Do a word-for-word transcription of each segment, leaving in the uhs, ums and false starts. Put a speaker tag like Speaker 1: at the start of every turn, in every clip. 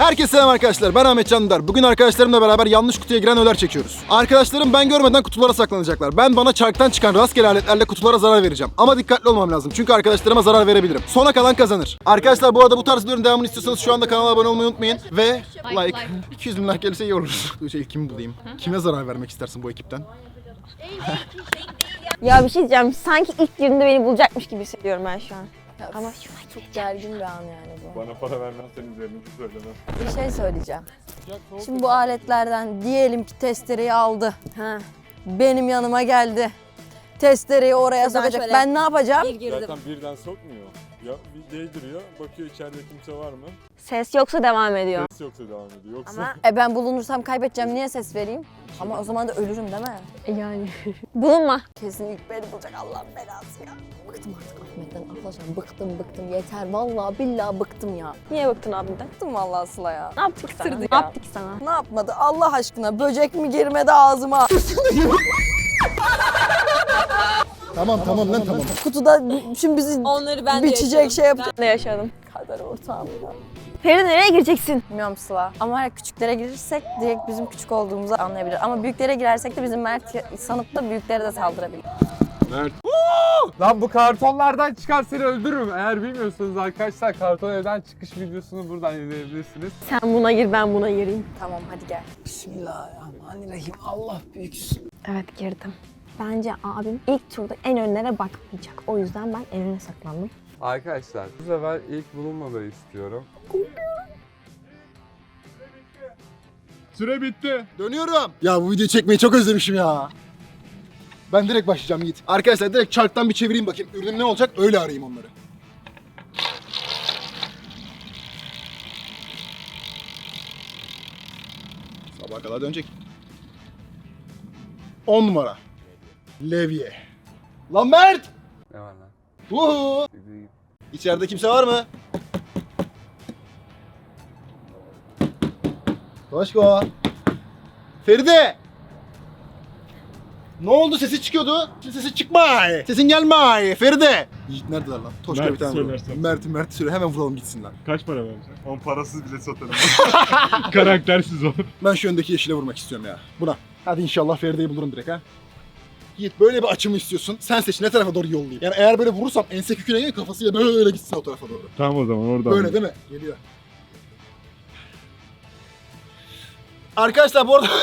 Speaker 1: Herkese selam arkadaşlar, ben Ahmet Can. Bugün arkadaşlarımla beraber yanlış kutuya giren öler çekiyoruz. Arkadaşlarım ben görmeden kutulara saklanacaklar. Ben bana çarktan çıkan rastgele aletlerle kutulara zarar vereceğim. Ama dikkatli olmam lazım çünkü arkadaşlarıma zarar verebilirim. Sona kalan kazanır. Arkadaşlar bu arada bu tarz videoların devamını istiyorsanız şu anda kanala abone olmayı unutmayın. Ve like, like. iki yüz bin like gelirse iyi olur. Şey, kimi bulayım? Kime zarar vermek istersin bu ekipten?
Speaker 2: Ya bir şey diyeceğim, sanki ilk girdiğinde beni bulacakmış gibi hissediyorum ben şu an.
Speaker 3: Ya
Speaker 2: Ama
Speaker 3: çok gergin bir an yani bu.
Speaker 4: Bana para vermezsen üzerine söylemem.
Speaker 3: Bir şey söyleyeceğim. Şimdi bu aletlerden diyelim ki testereyi aldı.
Speaker 2: ha.
Speaker 3: Benim yanıma geldi. Testereyi oraya
Speaker 2: Şuradan
Speaker 3: sokacak.
Speaker 2: şöyle
Speaker 3: Ben ne yapacağım?
Speaker 2: Bir girdim.
Speaker 4: Zaten birden sokmuyor. Ya bir değdiriyor, bakıyor içeride kimse var mı?
Speaker 2: Ses yoksa devam ediyor.
Speaker 4: Ses yoksa devam ediyor. Yoksa
Speaker 2: Ama
Speaker 3: E ben bulunursam kaybedeceğim. Niye ses vereyim? Ama o zaman da ölürüm değil mi?
Speaker 2: yani bulunma.
Speaker 3: Kesin ilk beni bulacak, Allah'ın belası ya. Bıktım artık Ahmet'ten arkadaşlar. Bıktım bıktım yeter. Vallahi billahi bıktım ya.
Speaker 2: Niye baktın abimden?
Speaker 3: Bıktım vallahi Sıla ya.
Speaker 2: Ne yaptık sana?
Speaker 3: Bıktırdı
Speaker 2: Ne
Speaker 3: ya.
Speaker 2: yaptık sana?
Speaker 3: Ne yapmadı? Allah aşkına böcek mi girmedi ağzıma?
Speaker 1: Tamam tamam lan tamam.
Speaker 3: Kutuda şimdi bizi
Speaker 2: Onları ben
Speaker 3: biçecek şey yapacak.
Speaker 2: Ben de yaşadım.
Speaker 3: Kader ortağım ya.
Speaker 2: Feride nereye gireceksin?
Speaker 3: Bilmiyorum Sıla. Ama eğer küçüklere girirsek direkt bizim küçük olduğumuzu anlayabilir. Ama büyüklere girersek de bizim Mert sanıp da büyüklere de saldırabilir.
Speaker 4: Mert. Lan bu kartonlardan çıkar seni öldürürüm. Eğer bilmiyorsanız arkadaşlar karton evden çıkış videosunu buradan izleyebilirsiniz.
Speaker 2: Sen buna gir, ben buna gireyim.
Speaker 3: Tamam hadi gel.
Speaker 5: Bismillahirrahmanirrahim. Allah büyüksün.
Speaker 2: Evet, girdim. Bence abim ilk turda en önlere bakmayacak. O yüzden ben en öne saklandım.
Speaker 4: Arkadaşlar bu sefer ilk bulunmaları istiyorum. Süre bitti.
Speaker 1: Dönüyorum. Ya bu videoyu çekmeyi çok özlemişim ya. Ben direkt başlayacağım Yiğit. Arkadaşlar direkt çarktan bir çevireyim bakayım. Ürünüm ne olacak öyle arayayım onları. Sabaha kadar dönecek. on numara. Levye. Lan Mert!
Speaker 4: Ne var lan?
Speaker 1: Uhu! İçeride kimse var mı? Toşko. Feride. Ne oldu? Sesi çıkıyordu. Şimdi sesi çıkmay. Sesin gelmay. Feride. Yiğit neredeler lan? Toşko
Speaker 4: Mert
Speaker 1: bir tane vuralım.
Speaker 4: söylersen.
Speaker 1: Mert, Mert söyle. Hemen vuralım gitsinler.
Speaker 4: Kaç para vereceksin? On parasız bile satarım. Karaktersiz o.
Speaker 1: Ben şu öndeki yeşile vurmak istiyorum ya. Buna. Hadi inşallah Feride'yi bulurum direkt ha. Yiğit böyle bir açımı istiyorsun. Sen seç ne tarafa doğru yollayayım. Yani eğer böyle vurursam ense küküne gelir kafasıyla böyle gitsin o tarafa doğru.
Speaker 4: Tamam o zaman oradan.
Speaker 1: Böyle değil mi? Geliyor. Arkadaşlar bu arada...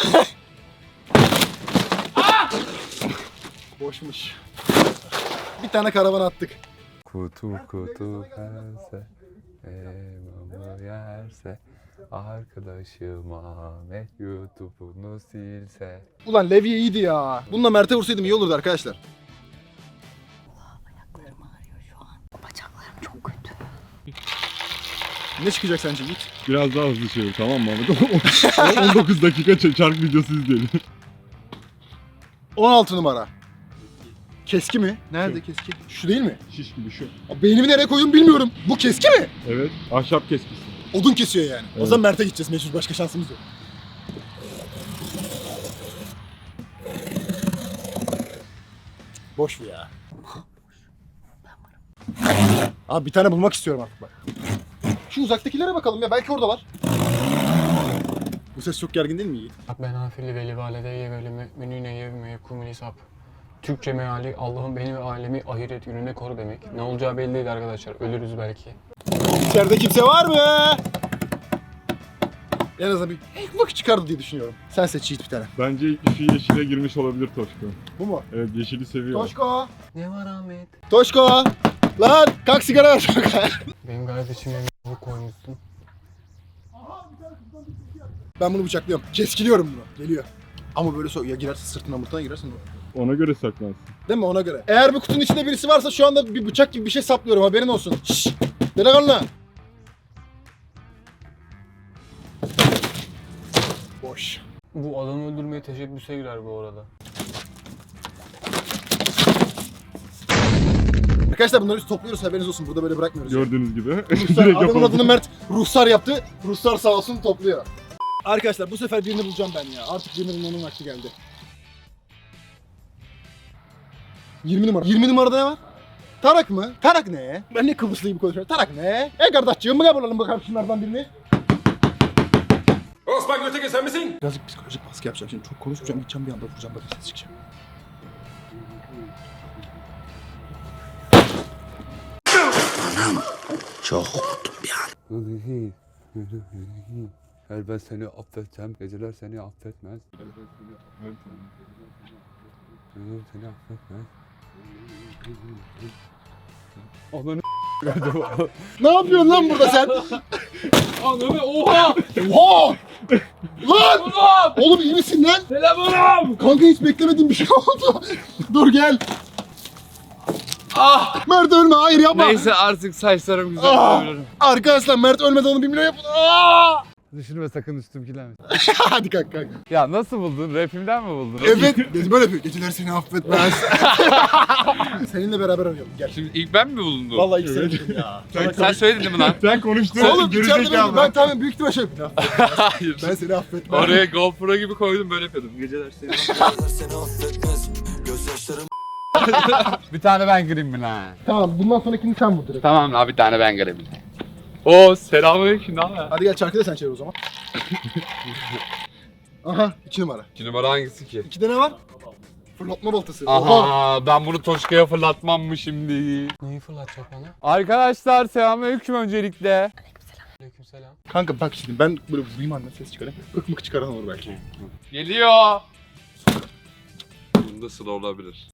Speaker 1: Boşmuş. Bir tane karavan attık.
Speaker 4: Kutu kutu pense, elmamı yerse, arkadaşım Ahmet YouTube'unu silse.
Speaker 1: Ulan Levye iyiydi ya. Bununla Mert'e vursaydım iyi olurdu arkadaşlar.
Speaker 3: Ayaklarım ağrıyor şu an. Bacaklarım çok kötü.
Speaker 1: Ne çıkacak sence Yiğit?
Speaker 4: Biraz daha hızlı çevir tamam mı Ahmet? on dokuz dakika çark videosu izleyelim.
Speaker 1: on altı numara. Keski mi? Nerede keski? Şu değil mi?
Speaker 4: Şiş gibi şu.
Speaker 1: Abi beynimi nereye koydum bilmiyorum. Bu keski mi?
Speaker 4: Evet, ahşap keskisi.
Speaker 1: Odun kesiyor yani. O
Speaker 4: Evet.
Speaker 1: zaman Mert'e gideceğiz. Mecbur başka şansımız yok. Boş bu ya. Abi bir tane bulmak istiyorum artık bak. Şu uzaktakilere bakalım ya. Belki oradalar. Bu ses çok gergin değil mi Yiğit?
Speaker 5: Ben afili veli valideye veli müminine yevmeye kumuli sap. Türkçe meali Allah'ın beni ve ailemi ahiret gününe koru demek. Ne olacağı belli değil arkadaşlar. Ölürüz belki.
Speaker 1: İçeride kimse var mı? En azından bir bak çıkardı diye düşünüyorum. Sen seç Yiğit bir tane.
Speaker 4: Bence ilk kişi yeşile girmiş olabilir Toşko.
Speaker 1: Bu mu?
Speaker 4: Evet, yeşili seviyor.
Speaker 1: Toşko!
Speaker 5: Ne var Ahmet?
Speaker 1: Toşko! Lan kalk sigara ver Toşko.
Speaker 5: Benim kardeşime bu koymuşsun.
Speaker 1: Ben bunu bıçaklıyorum. Keskiliyorum bunu. Geliyor. Ama böyle so ya girerse sırtına mırtına girersin.
Speaker 4: Ona göre saklansın.
Speaker 1: Değil mi? Ona göre. Eğer bu kutunun içinde birisi varsa şu anda bir bıçak gibi bir şey saplıyorum. Haberin olsun. Şşş! Delikanlı! Boş.
Speaker 5: Bu adamı öldürmeye teşebbüse girer bu arada.
Speaker 1: Arkadaşlar bunları biz topluyoruz. Haberiniz olsun. Burada böyle bırakmıyoruz.
Speaker 4: Gördüğünüz gibi.
Speaker 1: Ruhsar,
Speaker 4: Direkt
Speaker 1: adamın
Speaker 4: yapalım.
Speaker 1: adını Mert Ruhsar yaptı. Ruhsar sağ olsun topluyor. Arkadaşlar bu sefer birini bulacağım ben ya. Artık birini bulmanın vakti geldi. yirmi numara. yirmi numarada ne var? Tarak mı? Tarak ne? Ben ne Kıbrıslı gibi konuşuyorum. Tarak ne? E kardeşciğim mı bulalım bakalım şunlardan birini?
Speaker 6: Göteke sen misin?
Speaker 1: Birazcık psikolojik baskı yapacağım. Şimdi çok konuşmayacağım. Gideceğim bir anda vuracağım. Böyle ses çıkacağım.
Speaker 4: Her ben seni affedeceğim, geceler seni affetmez. Geceler seni affetmez. Ananı
Speaker 1: Ne yapıyorsun lan burada sen?
Speaker 4: Ananı oha!
Speaker 1: Oha! Lan! Oğlum iyi misin lan?
Speaker 4: Selam oğlum!
Speaker 1: Kanka hiç beklemediğim bir şey oldu. Dur gel.
Speaker 4: Ah!
Speaker 1: Mert ölme, hayır yapma.
Speaker 4: Neyse artık saçlarım güzel
Speaker 1: Ah!
Speaker 4: görüyorum.
Speaker 1: Arkadaşlar Mert ölmeden onu bir milyon yapın. Aa!
Speaker 4: Düşünme sakın üstümkiler.
Speaker 1: Hadi kalk kalk.
Speaker 4: Ya nasıl buldun? Rapimden mi buldun?
Speaker 1: Evet. Gece böyle yapıyor. Geceler seni affetmez. Seninle beraber oynayalım. Gel.
Speaker 4: Şimdi ilk ben mi bulundum?
Speaker 1: Vallahi ilk seni dedim ya.
Speaker 4: sen, sen söyledin değil mi lan?
Speaker 6: Sen konuştun.
Speaker 1: Oğlum içeride benim. Ben tamam büyük ihtimal şey yapayım.
Speaker 4: Hayır.
Speaker 1: Ben seni affetmem.
Speaker 4: Oraya GoPro gibi koydum böyle yapıyordum. Geceler seni Bir tane ben gireyim mi lan?
Speaker 1: Tamam bundan sonrakini sen vur direkt.
Speaker 4: Tamam abi bir tane ben gireyim. Oo selamünaleyküm ne haber?
Speaker 1: Hadi gel çarkı da sen çevir o zaman. Aha iki numara.
Speaker 4: İki numara hangisi ki?
Speaker 1: İkide ne var? Fırlatma baltası. Oha.
Speaker 4: Aha ben bunu Toşka'ya fırlatmam mı şimdi?
Speaker 5: Neyi fırlatacak bana?
Speaker 4: Arkadaşlar selamünaleyküm öncelikle.
Speaker 5: Aleykümselam.
Speaker 1: Kanka bak şimdi ben böyle vurayım anne ses çıkarayım. Hık mık çıkaran olur belki.
Speaker 4: Geliyor. Bunda sıra olabilir.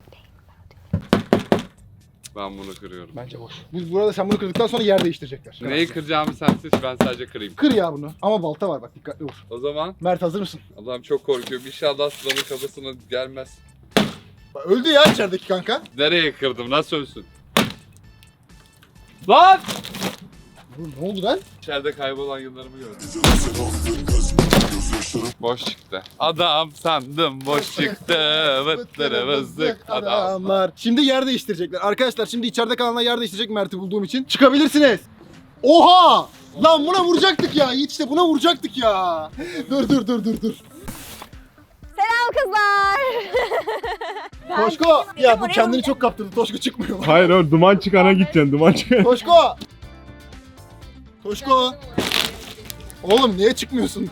Speaker 4: Ben bunu kırıyorum.
Speaker 5: Bence boş.
Speaker 1: Bu burada sen bunu kırdıktan sonra yer değiştirecekler.
Speaker 4: Neyi kıracağımı sen seç ben sadece kırayım.
Speaker 1: Kır ya bunu. Ama balta var bak dikkatli vur.
Speaker 4: O zaman
Speaker 1: Mert hazır mısın?
Speaker 4: Allah'ım çok korkuyorum. İnşallah Sıla'nın kafasına gelmez.
Speaker 1: Bak, öldü ya içerideki kanka.
Speaker 4: Nereye kırdım? Nasıl ölsün? Lan!
Speaker 1: Oğlum ne oldu lan?
Speaker 4: İçeride kaybolan yıllarımı gördüm. Boş çıktı. Adam sandım boş çıktı. Vıttırı vızlık adam.
Speaker 1: adamlar. Şimdi yer değiştirecekler. Arkadaşlar şimdi içeride kalanlar yer değiştirecek Mert'i bulduğum için. Çıkabilirsiniz. Oha! Lan buna vuracaktık ya. Yiğit işte buna vuracaktık ya. dur dur dur dur dur.
Speaker 2: Selam kızlar.
Speaker 1: Toşko. Ya bu
Speaker 2: oraya
Speaker 1: kendini
Speaker 2: vuracak.
Speaker 1: çok kaptırdı. Toşko çıkmıyor.
Speaker 6: Hayır oğlum duman çıkana gideceksin duman çıkana.
Speaker 1: Toşko. Toşko. Oğlum niye çıkmıyorsun?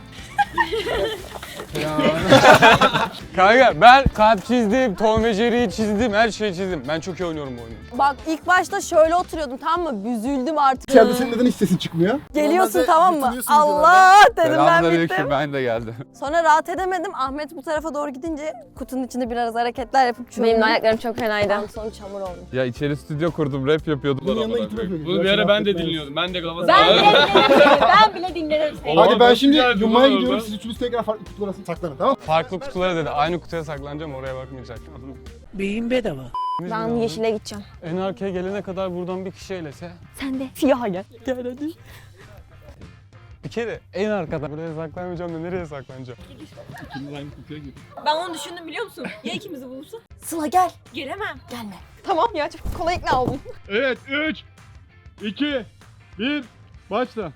Speaker 5: Kanka ben kalp çizdim, Tom ve Jerry'yi çizdim, her şeyi çizdim. Ben çok iyi oynuyorum bu oyunu.
Speaker 3: Bak ilk başta şöyle oturuyordum tamam mı? Büzüldüm artık.
Speaker 1: İçeride senin neden hiç sesin çıkmıyor?
Speaker 3: Geliyorsun
Speaker 1: Normalde
Speaker 3: tamam mı?
Speaker 1: yırtınıyorsun
Speaker 3: Allah dedim ben
Speaker 4: Selamünaleyküm
Speaker 3: bittim.
Speaker 4: ben de geldim.
Speaker 3: Sonra rahat edemedim. Ahmet bu tarafa doğru gidince kutunun içinde biraz hareketler yapıp çözdüm.
Speaker 2: Benim de ayaklarım çok fenaydı.
Speaker 3: Ben sonra çamur oldum.
Speaker 4: Ya içeri stüdyo kurdum rap yapıyordum.
Speaker 1: Bunun yanına gittim yapıyordum.
Speaker 5: Bunu bir ara ben de dinliyordum. Ben de kafası.
Speaker 2: Ben bile dinlerim. Ben bile dinlerim seni.
Speaker 1: Hadi ben
Speaker 5: çok
Speaker 1: şimdi
Speaker 5: güzel
Speaker 1: yummaya
Speaker 5: duman
Speaker 1: gidiyorum.
Speaker 5: oldu.
Speaker 1: Siz üçünüz tekrar farklı kutulara saklanın tamam mı?
Speaker 5: Farklı kutulara dedi. Aynı kutuya saklanacağım, oraya bakmayacak.
Speaker 7: Beyin bedava.
Speaker 2: Ben yeşile gideceğim.
Speaker 5: En arkaya gelene kadar buradan bir kişi eylese.
Speaker 2: Sen de siyaha gel. Gel hadi.
Speaker 5: Bir kere en arkada. Buraya saklanmayacağım da nereye saklanacağım?
Speaker 8: Ben onu düşündüm biliyor musun? Ya ikimizi bulursa?
Speaker 3: Sıla gel.
Speaker 8: Gelemem.
Speaker 3: Gelme.
Speaker 2: Tamam ya çok kolay ikna oldum.
Speaker 6: Evet üç, iki, bir, başla.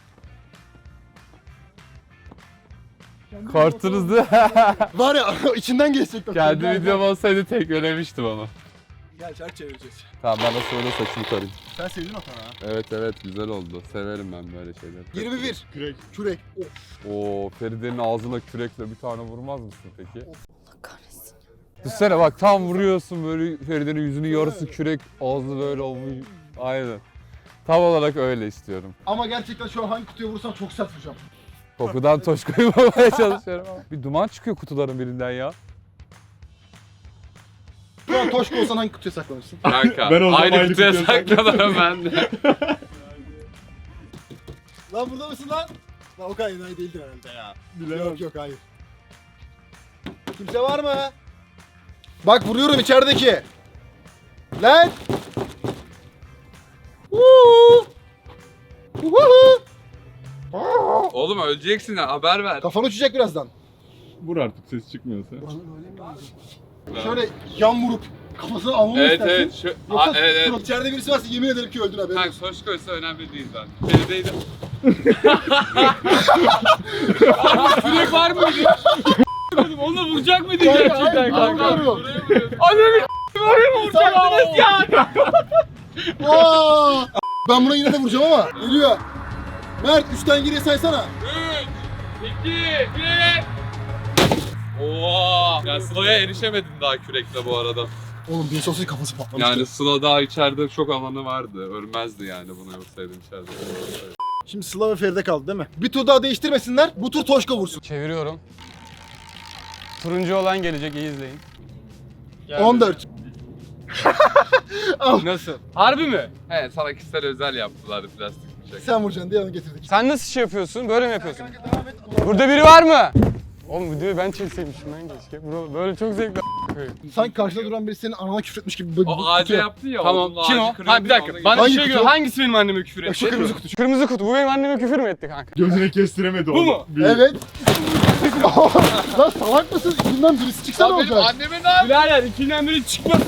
Speaker 4: Korktunuz
Speaker 1: Var ya içinden geçecek. bak.
Speaker 4: Kendi
Speaker 1: Gel,
Speaker 4: videom olsaydı tek ölemiştim ama.
Speaker 1: Gel çark çevireceğiz.
Speaker 4: Tamam ben de sonra saçımı tarayayım.
Speaker 1: Sen sevdin o tane ha.
Speaker 4: Evet evet güzel oldu. Severim ben böyle şeyleri.
Speaker 1: yirmi bir.
Speaker 6: Kürek.
Speaker 1: Kürek. Of.
Speaker 4: Oo Feride'nin ağzına kürekle bir tane vurmaz mısın peki?
Speaker 3: Kahretsin.
Speaker 4: Düşünsene bak tam vuruyorsun böyle Feride'nin yüzünün yarısı kürek, ağzı böyle olmuş. Aynen. Tam olarak öyle istiyorum.
Speaker 1: Ama gerçekten şu an hangi kutuya vursam çok sert vuracağım.
Speaker 4: Kokudan Toşko'yu bulmaya çalışıyorum ama. Bir duman çıkıyor kutuların birinden ya.
Speaker 1: Şu an Toşko olsan hangi kutuya saklanırsın?
Speaker 4: Kanka
Speaker 6: Ben o zaman
Speaker 4: aynı
Speaker 6: aynı
Speaker 4: kutuya
Speaker 6: kutuya
Speaker 4: saklanırım ben de.
Speaker 1: Lan burada mısın lan? Lan o kadar enayi değildir herhalde ya.
Speaker 6: Bilemem.
Speaker 1: Yok yok hayır. Kimse var mı? Bak vuruyorum içerideki. Lan! Woo! Woohoo!
Speaker 4: Oğlum öleceksin ha haber ver.
Speaker 1: Kafan uçacak birazdan.
Speaker 6: Vur artık ses çıkmıyorsa.
Speaker 1: Şöyle yan vurup kafasını almamı
Speaker 4: Evet
Speaker 1: istersin.
Speaker 4: evet şu,
Speaker 1: Yoksa
Speaker 4: Aa, evet evet.
Speaker 1: dur, içeride birisi varsa yemin ederim ki öldün haberin
Speaker 4: Kanka
Speaker 1: olsun.
Speaker 4: Toşko'ysa önemli değil zaten. Feride'ydi.
Speaker 5: Kürek var mıydı? Onunla vuracak mıydı
Speaker 1: Kanka,
Speaker 5: gerçekten
Speaker 1: hayır,
Speaker 5: kanka?
Speaker 1: vuruyorum.
Speaker 5: Ananı oraya mı vuracaktınız ya?
Speaker 1: Aa! Ben buna yine de vuracağım ama geliyor. Mert üçten geriye saysana.
Speaker 4: iki, bir. Oo! Yani Sıla'ya erişemedin daha kürekle bu arada.
Speaker 1: Oğlum bir sosyal kafası patlamıştı.
Speaker 4: Yani Sıla daha içeride çok alanı vardı. Ölmezdi yani bunu yapsaydım içeride.
Speaker 1: Şimdi Sıla ve Feride kaldı değil mi? Bir tur daha değiştirmesinler. Bu tur Toşko vursun.
Speaker 5: Çeviriyorum. Turuncu olan gelecek, iyi izleyin.
Speaker 1: on dört.
Speaker 4: Nasıl? Harbi mi? He, sana kişisel özel yaptılar plastik bıçak.
Speaker 1: Sen vuracaksın diye onu getirdik.
Speaker 5: Sen nasıl şey yapıyorsun? Böyle mi yapıyorsun? Burada biri var mı? Oğlum videoyu ben çekseymişim ben keşke. Bro, böyle çok zevkli a**ayım.
Speaker 1: Sanki karşıda duran biri senin anana küfretmiş gibi böyle
Speaker 4: O ağaca yaptı ya.
Speaker 5: Tamam.
Speaker 4: onun
Speaker 5: Kim
Speaker 4: ağacı
Speaker 5: o?
Speaker 4: kırıldı
Speaker 5: Ha bir
Speaker 4: ya,
Speaker 5: dakika.
Speaker 4: ona
Speaker 5: Bana
Speaker 1: Hangi
Speaker 5: bir şey
Speaker 1: kutu?
Speaker 5: gör. Hangisi benim anneme küfür etti?
Speaker 1: Şu kırmızı kutu.
Speaker 5: Kırmızı kutu. Bu benim anneme küfür mü etti kanka?
Speaker 6: Gözüne kestiremedi onu.
Speaker 4: mu?
Speaker 6: Bir-
Speaker 1: Evet. Lan salak mısın? İçinden birisi çıksa ne olacak?
Speaker 4: Anneme ne yaptı?
Speaker 5: Birader ikinden biri çıkmaz.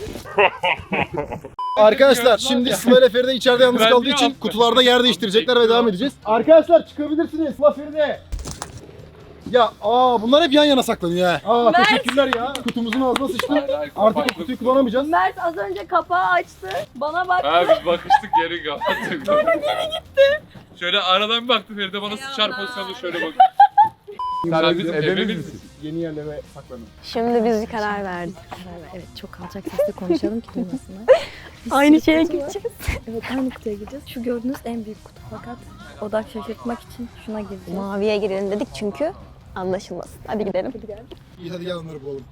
Speaker 1: Arkadaşlar şimdi Sıla ile Feride içeride yalnız
Speaker 4: Ben
Speaker 1: kaldığı
Speaker 4: niye
Speaker 1: için
Speaker 4: attım?
Speaker 1: kutularda yer değiştirecekler ve devam edeceğiz. Arkadaşlar çıkabilirsiniz Sıla Feride. Ya aa bunlar hep yan yana saklanıyor ha. Aa
Speaker 3: Mert.
Speaker 1: teşekkürler ya. Kutumuzun ağzına sıçtı. Artık o kutuyu kullanamayacağız.
Speaker 3: Mert az önce kapağı açtı. Bana baktı.
Speaker 4: Ha biz bakıştık geri kapattık. Sonra geri gitti. Şöyle aradan bir baktı Feride bana sıçar pozisyonda şöyle bak. Sen bizim ebemiz misin?
Speaker 1: Yeni yerlere saklanın.
Speaker 2: Şimdi biz bir karar verdik.
Speaker 7: Evet, çok alçak sesle konuşalım ki duymasınlar.
Speaker 2: Aynı şeye
Speaker 7: Kutu var.
Speaker 2: gideceğiz.
Speaker 7: Evet, aynı kutuya gireceğiz. Şu gördüğünüz en büyük kutu fakat odak şaşırtmak için şuna gireceğiz.
Speaker 2: Maviye girelim dedik çünkü anlaşılmasın. Hadi gidelim.
Speaker 1: İyi hadi gel onları bulalım.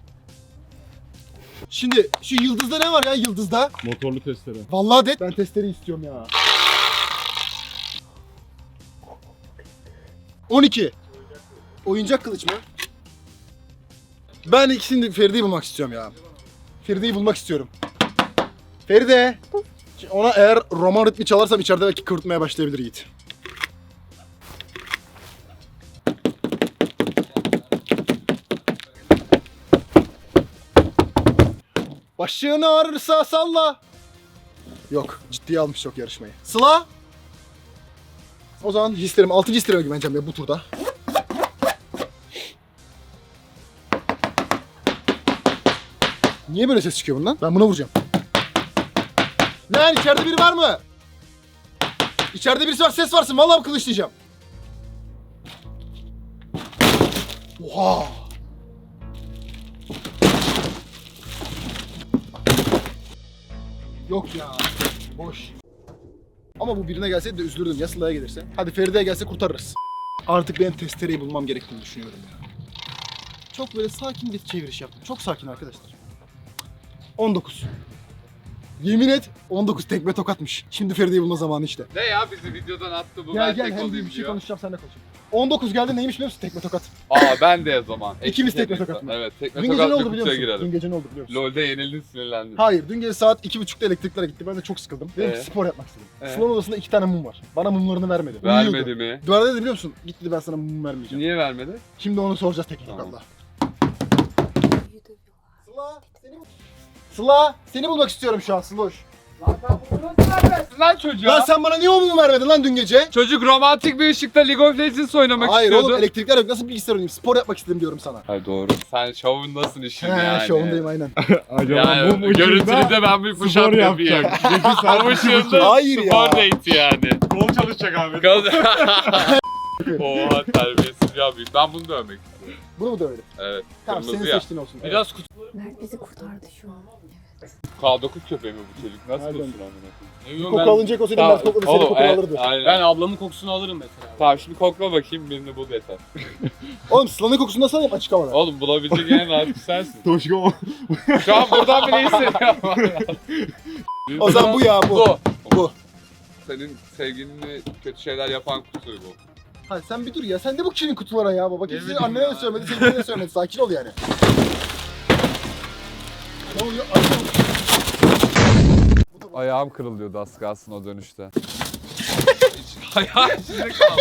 Speaker 1: Şimdi şu yıldızda ne var ya yıldızda?
Speaker 6: Motorlu testere.
Speaker 1: Vallahi de ben testleri istiyorum ya. on iki. Oyuncak kılıç mı? Ben ikisini de Feride'yi bulmak istiyorum ya. Feride'yi bulmak istiyorum. Feride. Şimdi ona eğer roman ritmi çalarsam içeride belki kıvırtmaya başlayabilir Yiğit. Başını ağrırsa salla. Yok, ciddiye almış yok yarışmayı. Sıla. O zaman hislerim, altıncı hislerime güveneceğim ya bu turda. Niye böyle ses çıkıyor bundan? Ben buna vuracağım. Lan içeride biri var mı? İçeride birisi var, ses varsın. Vallahi kılıçlayacağım. Oha! Yok ya. Boş. Ama bu birine gelseydi de üzülürdüm ya Sıla'ya gelirse. Hadi Feride'ye gelse kurtarırız. Artık benim testereyi bulmam gerektiğini düşünüyorum ya. Çok böyle sakin bir çeviriş yaptım. Çok sakin arkadaşlar. on dokuz. Yemin et on dokuz tekme tokatmış. Şimdi Feride'yi bulma zamanı işte.
Speaker 4: Ne ya bizi videodan attı bu
Speaker 1: Gel
Speaker 4: ben
Speaker 1: gel
Speaker 4: tek
Speaker 1: hem bir
Speaker 4: olayım
Speaker 1: şey
Speaker 4: diyor.
Speaker 1: konuşacağım seninle konuşayım. on dokuz geldi neymiş biliyor musun? Tekme tokat.
Speaker 4: Aa ben de o zaman.
Speaker 1: İkimiz
Speaker 4: Eksik
Speaker 1: tekme
Speaker 4: tekme
Speaker 1: tokat mı?
Speaker 4: Evet tekme
Speaker 1: Dün gece ne
Speaker 4: tokat
Speaker 1: oldu
Speaker 4: bir
Speaker 1: biliyor
Speaker 4: kutuya
Speaker 1: musun? Dün
Speaker 4: girelim.
Speaker 1: gece ne oldu biliyor musun?
Speaker 4: LoL'de yenildin sinirlendin.
Speaker 1: Hayır dün gece saat iki buçukta elektrikler gitti. Ben de çok sıkıldım. Dedim ki
Speaker 4: Ee?
Speaker 1: spor yapmak istedim.
Speaker 4: Ee?
Speaker 1: Salon odasında iki tane mum var. Bana mumlarını vermedi.
Speaker 4: Vermedi
Speaker 1: Uyuyordu.
Speaker 4: mi?
Speaker 1: Duvara dedi biliyor musun? Git dedi ben sana mum vermeyeceğim.
Speaker 4: Niye vermedi?
Speaker 1: Şimdi onu soracağız teknik
Speaker 4: Tamam.
Speaker 1: Allah. Sıla seni Sıla seni bulmak istiyorum şu an Sıloş.
Speaker 4: Lan çocuğa.
Speaker 1: Lan sen bana niye o mumu vermedin lan dün gece?
Speaker 4: Çocuk romantik bir ışıkta League of Legends oynamak
Speaker 1: Hayır
Speaker 4: istiyordu.
Speaker 1: oğlum elektrikler yok. Nasıl bilgisayar oynayayım? Spor yapmak istedim diyorum sana.
Speaker 4: Hayır doğru. Sen şovundasın işin
Speaker 1: He
Speaker 4: yani.
Speaker 1: şovundayım aynen.
Speaker 6: Acaba
Speaker 4: Yani
Speaker 6: bu
Speaker 4: görüntülü de ben bir push
Speaker 6: spor
Speaker 4: up
Speaker 6: yapacak.
Speaker 4: yapayım.
Speaker 6: Peki sen
Speaker 4: Ama ışığında
Speaker 1: Hayır ya.
Speaker 4: spor date yani.
Speaker 6: kol çalışacak abi.
Speaker 4: Oha terbiyesiz ya büyük. Ben bunu dövmek istiyorum.
Speaker 1: Bunu mu dövelim?
Speaker 4: Evet.
Speaker 1: Tamam senin
Speaker 4: Kırmızı ya.
Speaker 1: seçtiğin olsun.
Speaker 4: Biraz kutu.
Speaker 7: Mert bizi kurtardı şu an.
Speaker 4: K dokuz köpeği mi bu çocuk? Nasıl
Speaker 1: Nereden?
Speaker 4: kursun amına
Speaker 1: Evet. Koku alınacak olsaydı
Speaker 4: Tamam,
Speaker 1: ben kokunu seni
Speaker 4: oğlum,
Speaker 1: kokunu
Speaker 4: e,
Speaker 1: alırdı.
Speaker 4: Aynen.
Speaker 5: Ben ablamın kokusunu alırım mesela.
Speaker 4: Tamam şimdi kokla bakayım birini bul yeter.
Speaker 1: Oğlum Sıla'nın kokusunu nasıl alayım açık havada?
Speaker 4: Oğlum bulabilecek en rahat sensin.
Speaker 6: Toşko
Speaker 4: Şu an buradan bile hissediyorum.
Speaker 1: O zaman bu ya bu.
Speaker 4: Bu.
Speaker 1: Bu.
Speaker 4: Senin sevgilini kötü şeyler yapan kutu bu.
Speaker 1: Hadi sen bir dur ya. Sen de bu kişinin kutulara ya baba. Kimse
Speaker 4: Yemin
Speaker 1: annene de
Speaker 4: ya.
Speaker 1: söylemedi, sevgiline de söylemedi. Sakin ol yani. Ne oluyor? Ay,
Speaker 4: Ayağım kırılıyordu az kalsın o dönüşte. Ayağım içinde kaldı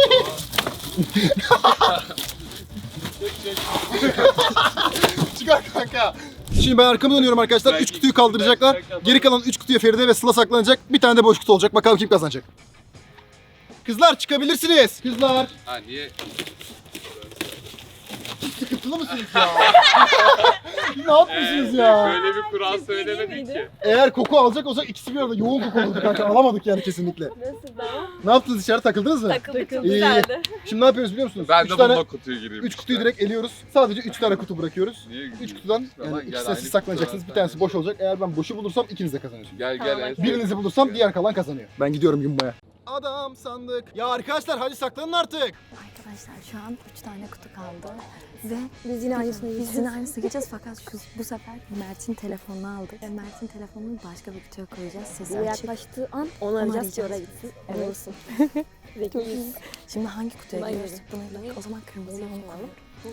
Speaker 1: çıkar kanka. Şimdi ben arkamı dönüyorum arkadaşlar. üç kutuyu kaldıracaklar. Geri kalan üç kutuya Feride ve Sıla saklanacak. Bir tane de boş kutu olacak. Bakalım kim kazanacak. Kızlar çıkabilirsiniz. Kızlar.
Speaker 4: Ha niye?
Speaker 1: sıkıntılı mısınız ya? Ne yapıyorsunuz ya?
Speaker 4: Böyle bir kural söylemedik ki.
Speaker 1: Eğer koku alacak olsak ikisi bir arada yoğun koku olurdu kanka. Alamadık yani kesinlikle.
Speaker 8: Nasıl da?
Speaker 1: Ne yaptınız dışarı takıldınız mı?
Speaker 8: Takıldık çok
Speaker 1: İyi, iyi.
Speaker 8: güzeldi.
Speaker 1: Şimdi ne yapıyoruz biliyor musunuz?
Speaker 4: Ben
Speaker 1: üç
Speaker 4: de
Speaker 1: tane,
Speaker 4: bununla kutuyu gireyim.
Speaker 1: üç
Speaker 4: işte.
Speaker 1: kutuyu direkt eliyoruz. Sadece üç tane kutu bırakıyoruz.
Speaker 4: Niye
Speaker 1: üç
Speaker 4: gidiyorsun?
Speaker 1: kutudan
Speaker 4: Tamam,
Speaker 1: yani
Speaker 4: gel,
Speaker 1: ikisi
Speaker 4: aynı
Speaker 1: siz saklanacaksınız.
Speaker 4: kutudan
Speaker 1: Bir tanesi
Speaker 4: sen
Speaker 1: boş olacak. Eğer ben boşu bulursam ikiniz de kazanıyorsunuz.
Speaker 4: Gel
Speaker 8: Tamam,
Speaker 4: gel.
Speaker 8: hadi.
Speaker 1: Birinizi bulursam diğer kalan kazanıyor. Ben gidiyorum yumbaya. Adam sandık. Ya arkadaşlar hadi saklanın artık.
Speaker 7: Arkadaşlar şu an üç tane kutu kaldı. Ve biz yine aynısını Biz yine aynısını geçeceğiz fakat şu, bu sefer Mert'in telefonunu aldık. Ve Mert'in telefonunu başka bir kutuya koyacağız. Sesi açık.
Speaker 2: Yaklaştığı an
Speaker 7: Onu
Speaker 2: arayacağız ki
Speaker 7: arayacağız.
Speaker 2: oraya gitsin.
Speaker 7: Evet.
Speaker 2: Zekiyiz.
Speaker 7: Şimdi hangi kutuya
Speaker 2: Buna
Speaker 7: giriyoruz?
Speaker 2: girelim.
Speaker 7: Buna girelim. O zaman kırmızıya onu koyalım.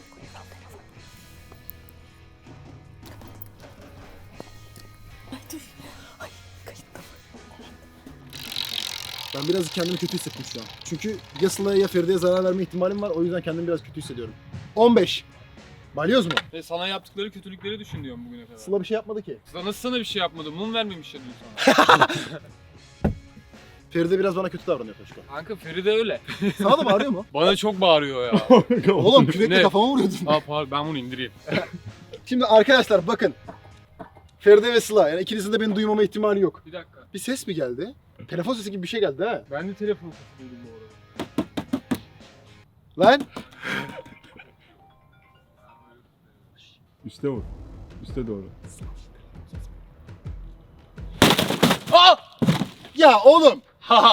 Speaker 1: Ben biraz kendimi kötü hissettim şu an. Çünkü ya Sıla'ya ya Feride'ye zarar verme ihtimalim var. O yüzden kendimi biraz kötü hissediyorum. on beş. Balyoz mu?
Speaker 4: Ve sana yaptıkları kötülükleri düşün diyorum bugüne kadar.
Speaker 1: Sıla bir şey yapmadı ki.
Speaker 4: Sıla nasıl sana bir şey yapmadı? Mum vermemiş ya dün sana.
Speaker 1: Feride biraz bana kötü davranıyor Toşko.
Speaker 4: Kanka Feride öyle.
Speaker 1: Sana da bağırıyor mu?
Speaker 4: Bana çok bağırıyor ya.
Speaker 1: Oğlum kürekle
Speaker 4: Ne?
Speaker 1: kafama vuruyordun.
Speaker 4: Aa pardon ben bunu indireyim.
Speaker 1: Şimdi arkadaşlar bakın. Feride ve Sıla yani ikinizin de beni duymama ihtimali yok.
Speaker 4: Bir dakika.
Speaker 1: Bir ses mi geldi? Telefon sesi gibi bir şey geldi ha.
Speaker 4: Ben de telefon sesiydim bu arada.
Speaker 1: Lan
Speaker 6: Üste vur. Üste doğru.
Speaker 1: ya oğlum.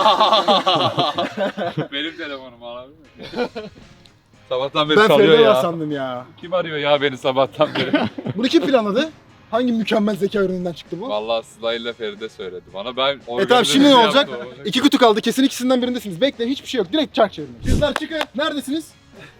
Speaker 4: Benim telefonum abi. Sabahtan beri
Speaker 1: Ben
Speaker 4: çalıyor
Speaker 1: Feride var
Speaker 4: ya.
Speaker 1: sandım ya.
Speaker 4: Kim arıyor ya beni sabahtan beri?
Speaker 1: Bunu kim planladı? Hangi mükemmel zeka ürününden çıktı bu?
Speaker 4: Vallahi Sıla ile Feride söyledi bana. Ben
Speaker 1: E tamam şimdi ne
Speaker 4: organize
Speaker 1: olacak?
Speaker 4: yaptım.
Speaker 1: İki kutu kaldı. Kesin ikisinden birindesiniz. Bekleyin hiçbir şey yok. Direkt çark çevirin. Kızlar çıkın. Neredesiniz?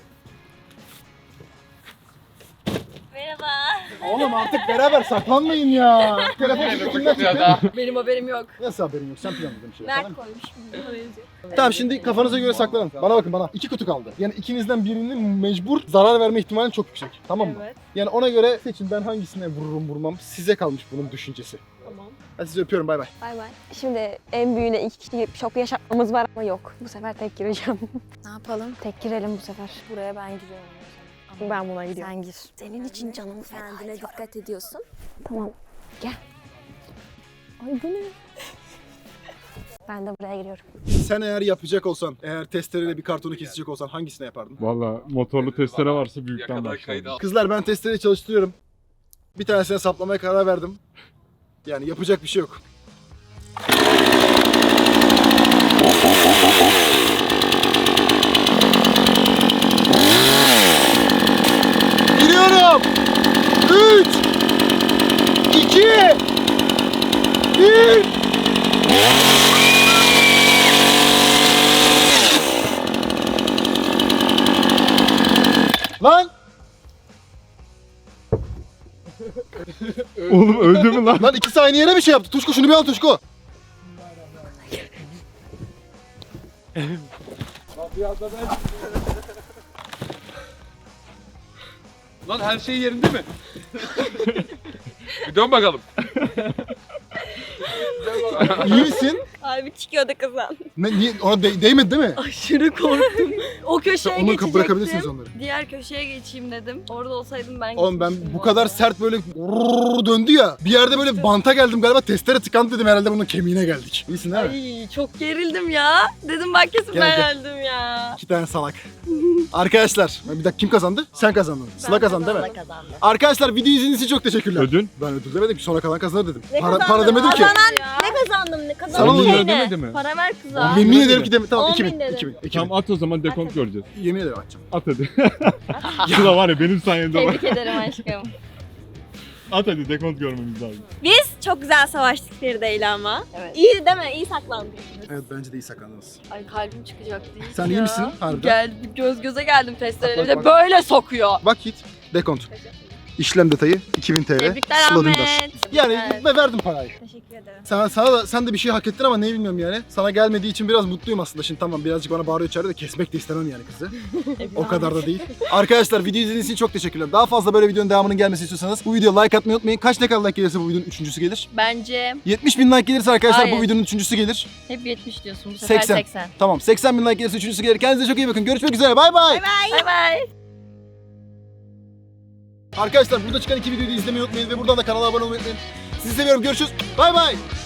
Speaker 8: Merhaba.
Speaker 1: Oğlum artık beraber saklanmayın ya. Telefon sesi kimden çıktı?
Speaker 8: Benim haberim yok.
Speaker 1: Nasıl haberin yok? Sen planladın bir şey.
Speaker 8: Mert
Speaker 1: Tamam.
Speaker 8: koymuş. Oraya yazıyor.
Speaker 1: Tamam şimdi kafanıza göre saklanın. Bana bakın bana. İki kutu kaldı. Yani ikinizden birinin mecbur zarar verme ihtimali çok yüksek. Tamam mı?
Speaker 8: Evet.
Speaker 1: Yani ona göre seçin ben hangisine vururum vurmam. Size kalmış bunun düşüncesi.
Speaker 8: Tamam.
Speaker 1: Hadi sizi öpüyorum bay bay.
Speaker 2: Bay bay. Şimdi en büyüğüne iki kişi şok yaşatmamız var ama yok. Bu sefer tek gireceğim.
Speaker 7: Ne yapalım?
Speaker 2: Tek girelim bu sefer.
Speaker 7: Buraya ben giriyorum. Ama
Speaker 2: Ben buna gidiyorum.
Speaker 7: sen gir. Senin için canımı feda Kendine dikkat ediyorsun.
Speaker 2: Tamam. Gel. Ay bu ne? Ben de buraya giriyorum.
Speaker 1: Sen eğer yapacak olsan, eğer testereyle bir kartonu kesecek olsan hangisine yapardın?
Speaker 6: Valla motorlu testere varsa büyükten
Speaker 4: Yakada
Speaker 6: başlarım.
Speaker 4: kaydı al.
Speaker 1: Kızlar ben testereyi çalıştırıyorum. Bir tanesine saplamaya karar verdim. Yani yapacak bir şey yok. Giriyorum. üç iki bir Lan!
Speaker 6: Oğlum öldü mü lan?
Speaker 1: Lan iki saniye yere bir şey yaptı. Tuşku şunu bir al Tuşku.
Speaker 4: Lan her şey yerinde mi? Bir dön bakalım.
Speaker 1: İyi misin?
Speaker 8: Abi çıkıyordu kızım.
Speaker 1: Ne, niye, ona de- değmedi değil mi?
Speaker 8: Aşırı korktum. O köşeye
Speaker 1: Onu
Speaker 8: geçecektim.
Speaker 1: bırakabilirsiniz onları.
Speaker 8: Diğer köşeye geçeyim dedim. Orada olsaydım ben
Speaker 1: Oğlum ben
Speaker 8: gitmiştim
Speaker 1: bu kadar
Speaker 8: arada.
Speaker 1: sert böyle rrrr döndü ya. Bir yerde böyle banta geldim galiba testere tıkandı dedim herhalde bunun kemiğine geldik. İyisin değil mi?
Speaker 8: Ay çok gerildim ya. Dedim bak kesin
Speaker 1: Gel,
Speaker 8: ben
Speaker 1: gel.
Speaker 8: öldüm ya.
Speaker 1: İki tane salak. Arkadaşlar bir dakika kim kazandı? Sen kazandın. Sıla kazandı değil mi?
Speaker 8: Kazandı.
Speaker 1: Arkadaşlar video izlediğiniz için çok teşekkürler.
Speaker 6: Ödün?
Speaker 1: Ben ödül demedim ki sonra kalan kazanır dedim.
Speaker 8: Ne
Speaker 1: Para, para
Speaker 8: kazandım?
Speaker 1: demedim ki.
Speaker 8: Kazanan ne kazandım? Ne
Speaker 1: Sana
Speaker 8: kazandım?
Speaker 1: mı
Speaker 8: Şey
Speaker 6: ödül
Speaker 8: ne?
Speaker 6: demedi mi?
Speaker 8: Para ver kıza.
Speaker 1: Yemin ederim ki deme. Tamam
Speaker 8: On
Speaker 1: iki
Speaker 8: bin
Speaker 1: bin.
Speaker 8: dedim.
Speaker 1: iki bin. iki bin.
Speaker 6: Tamam at o zaman dekont göreceğiz.
Speaker 1: Yemin ederim açacağım.
Speaker 6: At hadi. Sıla var ya benim sayemde var.
Speaker 8: Tebrik ederim aşkım.
Speaker 6: At hadi dekont görmemiz lazım.
Speaker 8: Biz çok güzel savaştık Feride'yle ama.
Speaker 2: Evet.
Speaker 8: İyi değil mi? İyi saklandık.
Speaker 1: Evet bence de iyi saklandınız.
Speaker 8: Ay kalbim çıkacak değil
Speaker 1: Sen
Speaker 8: ya.
Speaker 1: iyi misin? Harbiden.
Speaker 8: Gel göz göze geldim testereyle.
Speaker 1: Bak,
Speaker 8: Bir de
Speaker 1: bak.
Speaker 8: böyle sokuyor.
Speaker 1: Bak git. Dekont. İşlem detayı iki bin T L.
Speaker 8: Tebrikler
Speaker 1: Sıla
Speaker 8: Ahmet.
Speaker 1: Dündar. Yani
Speaker 8: Evet.
Speaker 1: ve verdim parayı.
Speaker 8: Teşekkür ederim.
Speaker 1: Sana, sana da sen de bir şey hak ettin ama neyi bilmiyorum yani. Sana gelmediği için biraz mutluyum aslında. Şimdi tamam birazcık bana bağırıyor içeride de kesmek de istemem yani kızı. O kadar da değil. Arkadaşlar video izlediğiniz için çok teşekkürler. Daha fazla böyle videonun devamının gelmesini istiyorsanız bu videoya like atmayı unutmayın. Kaç ne kadar like gelirse bu videonun üçüncüsü gelir.
Speaker 8: Bence
Speaker 1: yetmiş bin like gelirse arkadaşlar bu
Speaker 8: Hayır.
Speaker 1: videonun üçüncüsü gelir.
Speaker 8: hep yetmiş diyorsun bu sefer
Speaker 1: seksen.
Speaker 8: seksen.
Speaker 1: Tamam seksen bin like gelirse üçüncüsü gelir. Kendinize çok iyi bakın. Görüşmek üzere. Bay bay.
Speaker 8: Bay bay.
Speaker 1: Arkadaşlar burada çıkan iki videoyu da izlemeyi unutmayın ve buradan da kanala abone olmayı unutmayın. Sizi seviyorum. Görüşürüz. Bay bay.